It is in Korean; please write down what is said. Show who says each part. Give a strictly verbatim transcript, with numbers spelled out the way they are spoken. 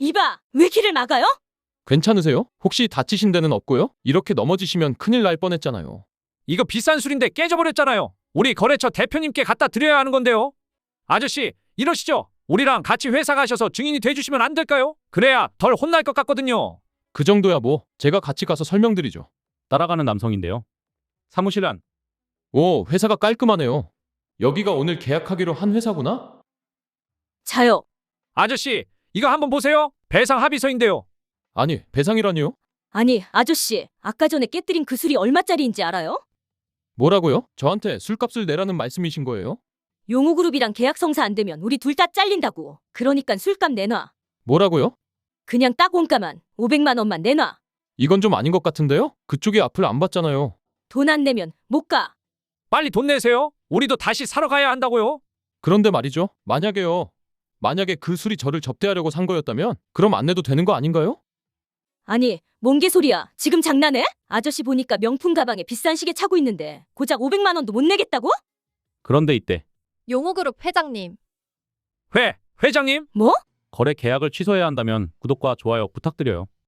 Speaker 1: 이봐, 왜 길을 막아요?
Speaker 2: 괜찮으세요? 혹시 다치신 데는 없고요? 이렇게 넘어지시면 큰일 날 뻔했잖아요.
Speaker 3: 이거 비싼 술인데 깨져버렸잖아요. 우리 거래처 대표님께 갖다 드려야 하는 건데요. 아저씨, 이러시죠. 우리랑 같이 회사 가셔서 증인이 돼주시면 안 될까요? 그래야 덜 혼날 것 같거든요.
Speaker 2: 그 정도야 뭐 제가 같이 가서 설명드리죠.
Speaker 4: 따라가는 남성인데요. 사무실 안.
Speaker 2: 오, 회사가 깔끔하네요. 여기가 오늘 계약하기로 한 회사구나?
Speaker 1: 자요.
Speaker 3: 아저씨, 이거 한번 보세요. 배상 합의서인데요.
Speaker 2: 아니, 배상이라니요?
Speaker 1: 아니, 아저씨, 아까 전에 깨뜨린 그 술이 얼마짜리인지 알아요?
Speaker 2: 뭐라고요? 저한테 술값을 내라는 말씀이신 거예요?
Speaker 1: 용호그룹이랑 계약 성사 안 되면 우리 둘 다 잘린다고. 그러니까 술값 내놔.
Speaker 2: 뭐라고요?
Speaker 1: 그냥 딱 원가만 오백만 원만 내놔.
Speaker 2: 이건 좀 아닌 것 같은데요? 그쪽이 앞을 안 봤잖아요.
Speaker 1: 돈 안 내면 못 가.
Speaker 3: 빨리 돈 내세요. 우리도 다시 사러 가야 한다고요.
Speaker 2: 그런데 말이죠. 만약에요. 만약에 그 술이 저를 접대하려고 산 거였다면 그럼 안 내도 되는 거 아닌가요?
Speaker 1: 아니, 뭔 개소리야. 지금 장난해? 아저씨 보니까 명품 가방에 비싼 시계 차고 있는데 고작 오백만 원도 못 내겠다고?
Speaker 4: 그런데 이때
Speaker 5: 용호그룹 회장님.
Speaker 3: 회, 회장님.
Speaker 1: 뭐?
Speaker 4: 거래 계약을 취소해야 한다면 구독과 좋아요 부탁드려요.